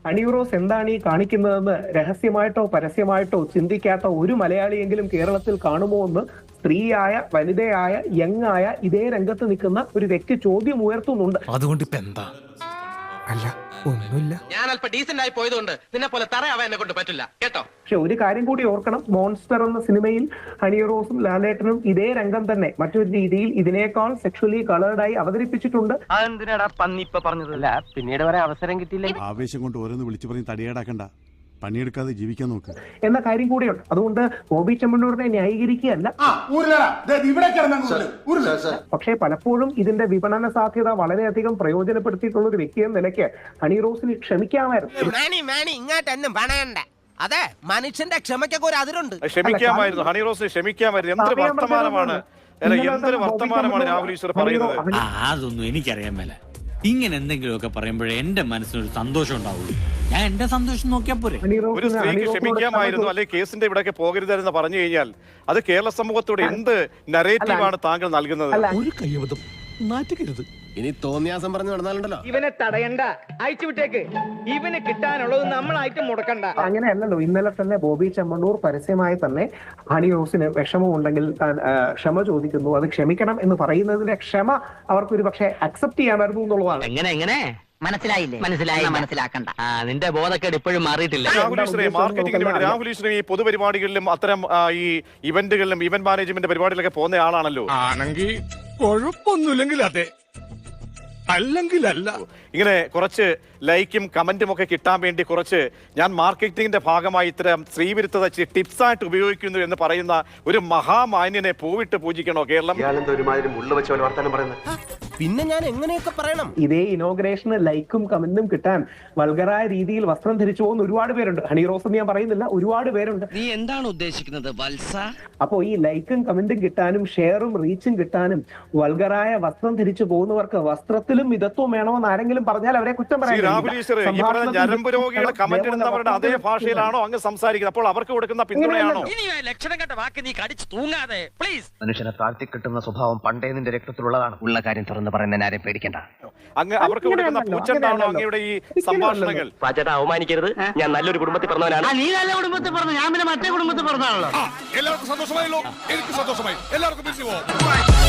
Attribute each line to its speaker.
Speaker 1: ഹണിറോസ് എന്താണ് ഈ കാണിക്കുന്നതെന്ന് രഹസ്യമായിട്ടോ പരസ്യമായിട്ടോ ചിന്തിക്കാത്ത ഒരു മലയാളിയെങ്കിലും കേരളത്തിൽ കാണുമോ എന്ന് സ്ത്രീയായ, വനിതയായ, യങ്ങായ ഇതേ രംഗത്ത് നിൽക്കുന്ന ഒരു വ്യക്തി ചോദ്യം ഉയർത്തുന്നുണ്ട്.
Speaker 2: അതുകൊണ്ട് ഇപ്പൊ എന്താ?
Speaker 3: അല്ല, ഒന്നുമില്ല.
Speaker 4: ഞാൻ അല്പം ഡീസന്റ് ആയി പോയതുകൊണ്ട് നിന്നെ പോലെ തറയാവാൻ എന്നെ കൊണ്ട് പറ്റില്ല കേട്ടോ.
Speaker 1: പക്ഷെ ഒരു കാര്യം കൂടി ഓർക്കണം, മോൺസ്റ്റർ എന്ന സിനിമയിൽ ഹണിറോസും ലാലേട്ടനും ഇതേ രംഗം തന്നെ മറ്റൊരു രീതിയിൽ ഇതിനേക്കാൾ സെക്ഷലി കളേർഡായി അവതരിപ്പിച്ചിട്ടുണ്ട്.
Speaker 4: അതെന്തിനാടാ പന്നി ഇപ്പൊ പറഞ്ഞതല്ല, പിന്നീട് വരെ അവസരം കിട്ടിയില്ല.
Speaker 5: ആവേശം കൊണ്ട് ഓരോന്ന് വിളിച്ചു പറഞ്ഞ് തടിയേടാക്കണ്ട, പണിയെടുക്കാതെ ജീവിക്കാൻ നോക്ക്
Speaker 1: എന്ന കാര്യം കൂടിയുണ്ട്. അതുകൊണ്ട് ബോബി ചെമ്മണ്ണൂരിനെ ന്യായീകരിക്കുകയല്ല, പക്ഷേ പലപ്പോഴും ഇതിന്റെ വിപണന സാധ്യത വളരെയധികം പ്രയോജനപ്പെടുത്തിയിട്ടുള്ള ഒരു വ്യക്തി എന്ന നിലയ്ക്ക് ഹണിറോസിന് ക്ഷമിക്കാമായിരുന്നു.
Speaker 6: ഇങ്ങോട്ടൊന്നും പണയണ്ട. അതെ, മനുഷ്യന്റെ ക്ഷമയ്ക്കൊക്കെ ഒരു അതിരുണ്ട്.
Speaker 7: ക്ഷമിക്കാമായിരുന്നു, ഹണിറോസിന് ക്ഷമിക്കാമായിരുന്നു. എന്തൊരു വർത്തമാനമാണ്, എന്തൊരു വർത്തമാനമാണ് രാഹുൽ ഈശ്വർ പറയുന്നത്.
Speaker 2: അതൊന്നും എനിക്കറിയാൻ മേല. ഇങ്ങനെ എന്തെങ്കിലുമൊക്കെ പറയുമ്പോഴേ എന്റെ മനസ്സിനൊരു സന്തോഷം ഉണ്ടാവുള്ളൂ. ഞാൻ എന്റെ സന്തോഷം നോക്കിയാൽ പോരെ.
Speaker 7: ഒരു സ്ത്രീക്ക് ക്ഷമിക്കാമായിരുന്നു, അല്ലെങ്കിൽ കേസിന്റെ ഇവിടെയൊക്കെ പോകരുതെന്ന് പറഞ്ഞു കഴിഞ്ഞാൽ അത് കേരള സമൂഹത്തോട് എന്ത് നരേറ്റീവാണ് താങ്കൾ നൽകുന്നത്?
Speaker 3: ഒരു കയ്യബദ്ധം നാറ്റുകരുത്.
Speaker 6: ഇനി തോന്നിയാസം പറഞ്ഞു നടന്നാലുണ്ടല്ലോ.
Speaker 4: ഇവനെ തടയണ്ട, അയച്ചു വിട്ടേക്ക്. ഇവന് കിട്ടാനുള്ളത് നമ്മളായിട്ട് മുടക്കണ്ട.
Speaker 1: അങ്ങനെയല്ലല്ലോ. ഇന്നലെ തന്നെ ബോബി ചെമ്മണ്ണൂർ പരസ്യമായി തന്നെ ഹണിറോസിന് വിഷമമുണ്ടെങ്കിൽ ക്ഷമ ചോദിക്കുന്നു, അത് ക്ഷമിക്കണം എന്ന് പറയുന്നതിന്റെ ക്ഷമ അവർക്ക് ഒരു പക്ഷേ അക്സെപ്റ്റ് ചെയ്യാമായിരുന്നു എന്നുള്ളതാണ്.
Speaker 4: എങ്ങനെ മനസ്സിലാക്കണ്ട. നിന്റെ ബോധക്കേട് ഇപ്പോഴും മാറിയിട്ടില്ല.
Speaker 7: രാഹുൽ ഈശ്വരൻ ഈ പൊതുപരിപാടികളിലും അത്തരം ഈ ഇവന്റുകളിലും ഇവന്റ് മാനേജ്മെന്റ് പരിപാടികളൊക്കെ പോകുന്ന ആളാണല്ലോ.
Speaker 3: ആണെങ്കിൽ കുഴപ്പമൊന്നുമില്ലെങ്കിൽ അതെ, അല്ലെങ്കിൽ അല്ല.
Speaker 7: ഇങ്ങനെ കുറച്ച് ലൈക്കും കമന്റും ഒക്കെ കിട്ടാൻ വേണ്ടി കുറച്ച് ഞാൻ മാർക്കറ്റിംഗിന്റെ ഭാഗമായി ഇത്തരം സ്ത്രീവിരുദ്ധത ടിപ്സ് ആയിട്ട് ഉപയോഗിക്കുന്നു എന്ന് പറയുന്ന ഒരു മഹാമാന്യനെ പൂവിട്ട് പൂജിക്കണോ കേരളം?
Speaker 6: പിന്നെ ഞാൻ എങ്ങനെയൊക്കെ പറയണം?
Speaker 1: ഇതേ ഇനോഗ്രേഷന് ലൈക്കും കമന്റും കിട്ടാൻ വൾഗറായ രീതിയിൽ വസ്ത്രം ധരിച്ചു പോകുന്ന ഒരുപാട് പേരുണ്ട്. ഹണിറോസ് എന്ന് ഞാൻ പറയുന്നില്ല, ഒരുപാട് പേരുണ്ട്.
Speaker 4: നീ എന്താണ് ഉദ്ദേശിക്കുന്നത് വത്സ?
Speaker 1: അപ്പോ ഈ ലൈക്കും കമന്റും കിട്ടാനും ഷെയറും റീച്ചും കിട്ടാനും വൾഗറായ വസ്ത്രം ധരിച്ചു പോകുന്നവർക്ക് വസ്ത്രത്തിലും മിതത്വം വേണമെന്ന് ആരെങ്കിലും പറഞ്ഞാൽ അവരെ കുറ്റം പറയാം.
Speaker 7: ഞരമ്പ് രോഗികളെ കമന്റ് ഇടുന്നവരുടെ അതേ ഭാഷയിലാണോ അങ്ങ് സംസാരിക്കുന്നത്? അപ്പോൾ അവർക്ക് കൊടുക്കുന്ന പിന്തുണയാണോ?
Speaker 4: ലക്ഷണം കണ്ട വാക്ക് നീ കടിച്ചു തൂങ്ങാതെ പ്ലീസ്.
Speaker 8: മനുഷ്യനെ താഴ്ത്തി കിട്ടുന്ന സ്വഭാവം പണ്ടേ നിന്റെ രക്തത്തിലുള്ളതാണ്. ഉള്ള കാര്യം തുറന്ന് പറയുന്നതിന് ആരെയും പേടിക്കണ്ട.
Speaker 7: അങ്ങ് അവർക്ക് കൊടുക്കുന്ന പൂച്ചണ്ടാണോ അങ്ങയുടെ ഈ സംഭാഷണങ്ങൾ?
Speaker 4: പാച്ചേട്ടാ അവമാനിക്കരുത്, ഞാൻ നല്ലൊരു കുടുംബത്തിൽ പറഞ്ഞവനാണ്. നീ നല്ല കുടുംബത്തിൽ പറഞ്ഞു, ഞാൻ പിന്നെ മറ്റേ കുടുംബത്തിൽ പറഞ്ഞാണല്ലോ.
Speaker 3: എല്ലാവർക്കും സന്തോഷമായല്ലോ. എനിക്ക് സന്തോഷമായി. എല്ലാവർക്കും